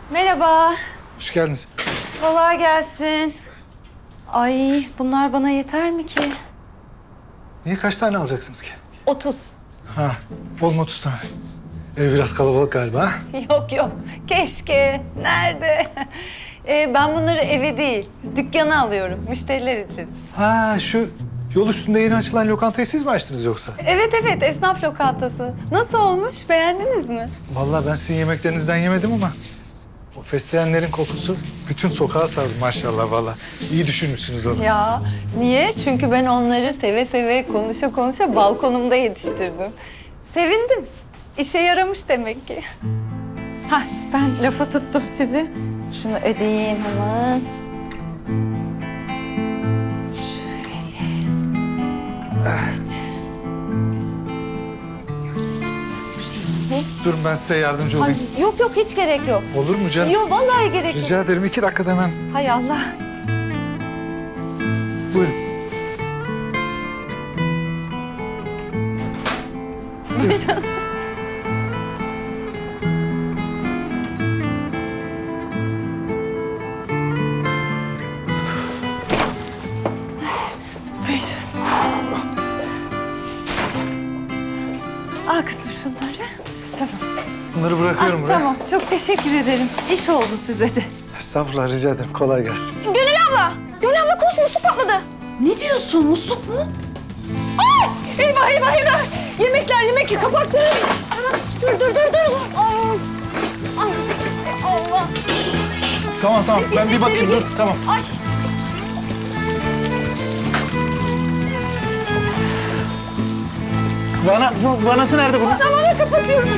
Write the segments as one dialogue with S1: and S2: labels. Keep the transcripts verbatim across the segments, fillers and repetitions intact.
S1: Merhaba.
S2: Hoş geldiniz.
S1: Kolay gelsin. Ay bunlar bana yeter mi ki?
S2: Niye kaç tane alacaksınız ki?
S1: Otuz.
S2: Ha, bol mu otuz tane? Ev biraz kalabalık galiba ha?
S1: Yok yok. Keşke. Nerede? Ee, ben bunları eve değil, dükkana alıyorum. Müşteriler için.
S2: Ha, şu yol üstünde yeni açılan lokantayı siz mi açtınız yoksa?
S1: Evet evet, esnaf lokantası. Nasıl olmuş? Beğendiniz mi?
S2: Vallahi ben sizin yemeklerinizden yemedim ama o fesleğenlerin kokusu bütün sokağa sardı maşallah vallahi. İyi düşünmüşsünüz onu.
S1: Ya niye? Çünkü ben onları seve seve, konuşa konuşa balkonumda yetiştirdim. Sevindim. İşe yaramış demek ki. Ha, işte ben lafa tuttum sizi. Şunu ödeyeyim hemen. Şöyle. Evet. Ne?
S2: Durun ben size yardımcı
S1: Ay,
S2: olayım.
S1: yok yok, hiç gerek yok.
S2: Olur mu canım?
S1: Yok vallahi gerek yok.
S2: Rica ederim iki dakikada hemen.
S1: Hay Allah.
S2: Buyurun.
S1: Buyurun. Al kızım şunları. Tamam.
S2: Bunları bırakıyorum
S1: Ah,
S2: buraya.
S1: tamam, çok teşekkür ederim. İş oldu size de.
S2: Estağfurullah rica ederim. Kolay gelsin.
S3: Gönül abla! Gönül abla koş, musluk patladı.
S1: Ne diyorsun, musluk mu?
S3: Ay! Eyvah eyvah eyvah! Yemekler yemek kapattırın. Dur dur dur dur. Ay! Ay! Allah!
S2: Tamam tamam ben bir bakayım dur tamam.
S3: Ay!
S2: Vana, bu vanası nerede bunun?
S3: Tamamen kapatıyorum.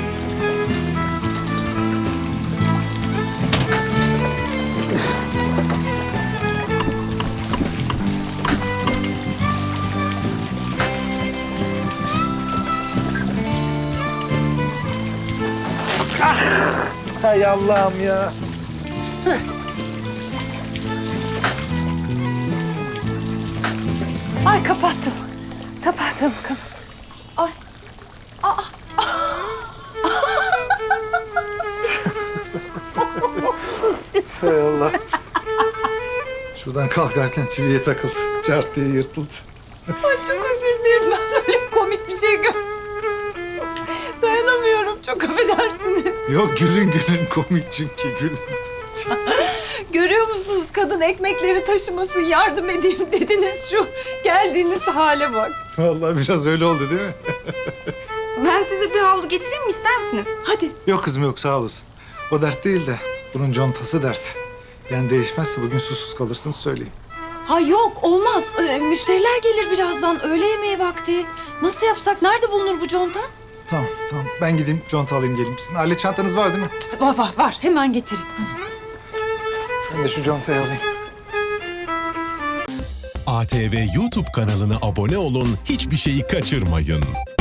S2: Hay Allah'ım ya.
S1: Ay kapattım. Kapattım. Kap Ay.
S2: Hay Allah. Şuradan kalkarken çiviye takıldı. Cart diye yırtıldı.
S3: Ay çok özür dilerim, ben böyle komik bir şey gör. Dayanamıyorum, çok affedersiniz.
S2: Yok gülün gülün komik çünkü gülün.
S3: Görüyor musunuz, kadın ekmekleri taşımasın, yardım edeyim dediniz, şu geldiğiniz hale bak.
S2: Vallahi biraz öyle oldu değil mi?
S3: Ben size bir havlu getireyim mi, ister misiniz? Hadi.
S2: Yok kızım yok sağ olasın. O dert değil de bunun contası dert. Yani değişmezse bugün susuz kalırsınız söyleyeyim.
S3: Ha yok, olmaz. Ee, müşteriler gelir birazdan, öğle yemeği vakti. Nasıl yapsak, nerede bulunur bu conta?
S2: Tamam tamam ben gideyim conta alayım geleyim. Sizin alet çantanız var değil mi?
S3: Var var var, hemen getireyim.
S2: Ben de şu contayı alayım.
S4: A T V YouTube kanalına abone olun, hiçbir şeyi kaçırmayın.